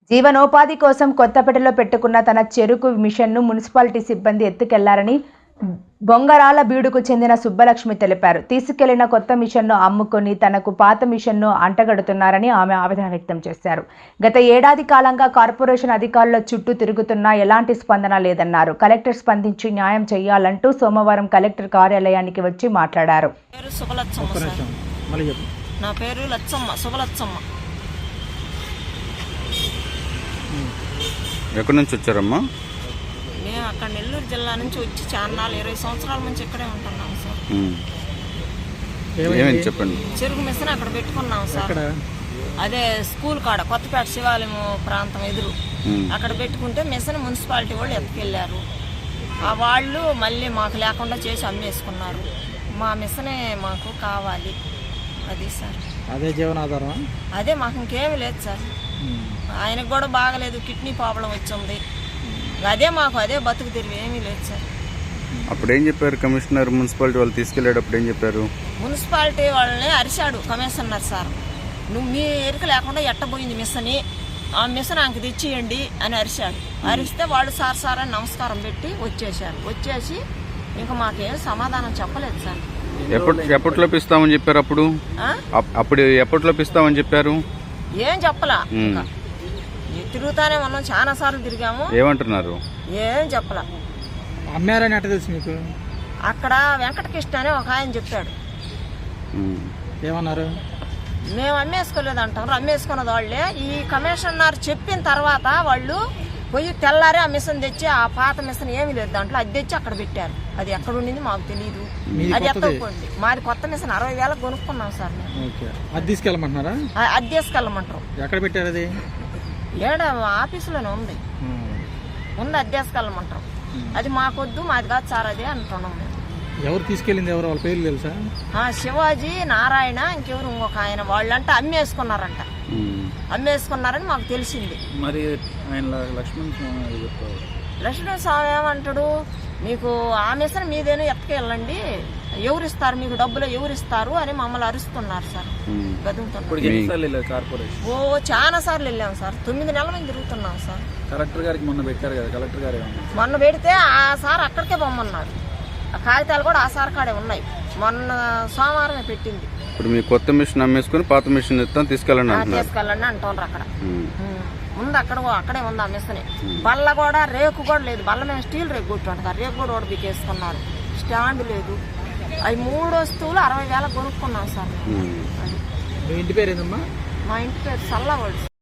జీవనోపాధి కోసం కొత్తపేటలో పెట్టుకున్న తన చెరుకు మిషన్ను మున్సిపాలిటీ సిబ్బంది ఎత్తుకెళ్లారని బొంగరాల బీడుకు చెందిన సుబ్బలక్ష్మి తెలిపారు. తీసుకెళ్లిన కొత్త మిషన్ను అమ్ముకొని తనకు పాత మిషన్ను అంటగడుతున్నారని ఆమె ఆవేదన వ్యక్తం చేశారు. గత ఏడాది కాలంగా కార్పొరేషన్ అధికారుల చుట్టూ తిరుగుతున్నా ఎలాంటి స్పందన లేదన్నారు. కలెక్టర్ స్పందించి న్యాయం చేయాలంటూ సోమవారం కలెక్టర్ కార్యాలయానికి వచ్చి మాట్లాడారు. నా పేరు లచ్చమ్మ, సుబ్బలచ్చమ్మ. ఎక్కడి నుంచి వచ్చారమ్మా? మేము అక్కడ నెల్లూరు జిల్లా నుంచి వచ్చి చాన్నాళ్ళు 20 సంవత్సరాల నుంచి ఇక్కడే ఉంటున్నాం సార్. ఏమని చెప్పండి. చెరుకు మిషన్ అక్కడ పెట్టుకున్నాం సార్. అదే స్కూల్ కాడ కొత్తపేట శివాలయం ప్రాంతం ఎదురు అక్కడ పెట్టుకుంటే మిషన్ మున్సిపాలిటీ వాళ్ళు ఎత్తుకెళ్ళారు. ఆ వాళ్ళు మళ్ళీ మాకు లేకుండా చేసి అమ్మేసుకున్నారు. మా మిషనే మాకు కావాలి. అది సార్, అదే జీవనాధారం. అదే మాకు ఇంకేమీ లేదు సార్. ఆయనకు కూడా బాగలేదు, కిడ్నీ ప్రాబ్లం వచ్చింది. అదే మాకు అదే బతుకు తెరివి, ఏమీ లేదు సార్. అప్పుడు ఏం చెప్పారు కమిషనర్? మున్సిపాలిటీ వాళ్ళు తీసుకెళ్ళేటప్పుడు ఏం చెప్పారు? మున్సిపాలిటీ వాళ్ళని అరిశాడు కమిషనర్ సార్. నువ్వు మీ ఎరుక లేకుండా ఎట్టబోయింది మిషని, ఆ మిషన్ ఆమెకు తెచ్చియండి అని అరిశాడు. అరిస్తే వాళ్ళు సార్ అని నమస్కారం పెట్టి వచ్చేసారు. వచ్చేసి ఇంకా మాకేం సమాధానం చెప్పలేదు సార్. ఎప్పటిలోపు ఇస్తామని చెప్పారు? అప్పుడు ఎప్పటిలోపు ఇస్తామని చెప్పారు? ఏం చెప్పలా. తిరుగుతానే ఉన్నాం, చాలా సార్లు తిరిగాము. ఏమంటున్నారు? ఏం చెప్పలా. అమ్మారని ఎట్ట తెలుసు మీకు? అక్కడ వెంకటకృష్ణ అని ఒక ఆయన చెప్పాడు. ఏమన్నారు? మేము అమ్మేసుకోలేదు అంటారు. అమ్మేసుకున్నది వాళ్ళే. ఈ కమిషనర్ చెప్పిన తర్వాత వాళ్ళు పోయి తెల్లారే ఆ మిషన్ తెచ్చి, ఆ పాత మిషన్ ఏమీ లేదు దాంట్లో, అది తెచ్చి అక్కడ పెట్టారు. అది ఎక్కడ ఉండింది మాకు తెలియదు. అది ఎత్తకపోండి. మాది కొత్త మిషన్ 60,000 కొనుక్కున్నాం సార్. అది తీసుకెళ్ళమంటున్నారా? అది తీసుకెళ్ళమంటారు. ఎక్కడ పెట్టారు? అది ఏడ ఆఫీసులోనే ఉంది. అది తీసుకెళ్ళమంటారు. అది మాకొద్దు, మాది కాదు సార్ అది అంటున్నాం మేము. ఎవరు తీసుకెళ్ళింది? ఎవరు? వాళ్ళ పేర్లు తెలుసా? శివాజీ, నారాయణ, ఇంకెవరు ఇంకొక ఆయన. వాళ్ళంట అమ్మేసుకున్నారంట. అమ్మేసుకున్నారని మాకు తెలిసింది. మరి ఆయన లక్ష్మణ స్వామి ఏమంటాడు, మీకు ఆ మిషన్ మీదేనో ఎత్తుకెళ్ళండి, ఎవరిస్తారు మీకు డబ్బులు, ఎవరిస్తారు అని మమ్మల్ని అరుస్తున్నారు సార్. ఓ చాలా సార్లు వెళ్ళాము సార్. 9 నెలల నుంచి తిరుగుతున్నాం సార్. కలెక్టర్ గారికి మొన్న పెట్టారు కదా, కలెక్టర్ గారు మొన్న పెడితే ఆ సార్ అక్కడికే పొమ్మన్నాడు. ఆ కాగితాలు కూడా ఆ సార్ కాడే ఉన్నాయి. మొన్న సోమవారమే పెట్టింది. ఇప్పుడు మీ కొత్త మిషన్ అమ్మేసుకుని పాత మిషన్ తీసుకెళ్ళండి అంటున్నారు. అక్కడ ముందు అక్కడే ఉంది ఆ మిషన్. బల్ల కూడా, రేకు కూడా లేదు. బల్ల మేము స్టీల్ రేకు కొట్టుకుంటారు. రేకు కూడా ఓడిపికేసుకున్నారు. స్టాండ్ లేదు. అవి 3 వస్తువులు 60,000 కొనుక్కున్నాం సార్. మీ ఇంటి పేరు ఏందమ్మా? మా ఇంటి పేరు సల్లవల్స్.